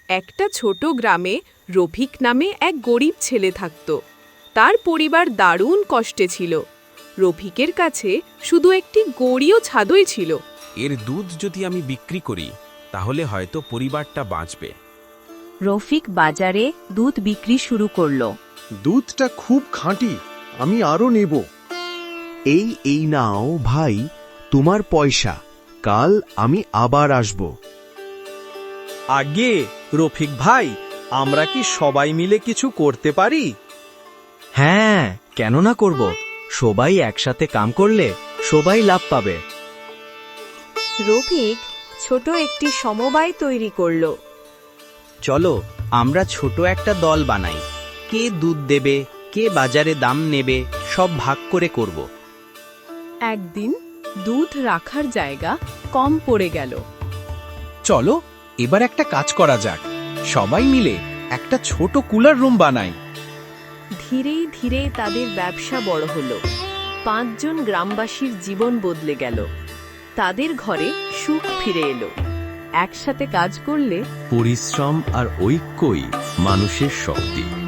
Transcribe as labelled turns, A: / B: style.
A: একটা ছোট গ্রামে রফিক নামে এক গরিব ছেলে থাকত। তার পরিবার দারুণ কষ্টে ছিল। রফিকের কাছে শুধু একটি গড়িও ছাদই ছিল।
B: এর দুধ যদি আমি বিক্রি করি তাহলে হয়তো পরিবারটা বাঁচবে।
C: রফিক বাজারে দুধ বিক্রি শুরু করলো।
D: দুধটা খুব খাঁটি, আমি আরো নেব।
E: এই নাও ভাই, তোমার পয়সা। কাল আমি আবার আসব।
F: আগে রফিক ভাই, আমরা কি সবাই মিলে কিছু করতে পারি?
G: হ্যাঁ, কেন না করব? সবাই একসাথে কাম করলে সবাই লাভ পাবে।
C: রফিক ছোট একটি সমবায় তৈরি করলো।
G: চলো আমরা ছোট একটা দল বানাই। কে দুধ দেবে, কে বাজারে দাম নেবে, সব ভাগ করে করব।
A: একদিন দুধ রাখার জায়গা কম পড়ে গেল।
F: চলো এবার একটা কাজ করা যাক, সবাই মিলে একটা ছোট কুলার রুম বানাই।
C: ধীরে ধীরে তাদের ব্যবসা বড় হলো। 5 জন গ্রামবাসীর জীবন বদলে গেল। তাদের ঘরে সুখ ফিরে এলো। একসাথে কাজ করলে
E: পরিশ্রম আর ঐক্যই মানুষের শক্তি।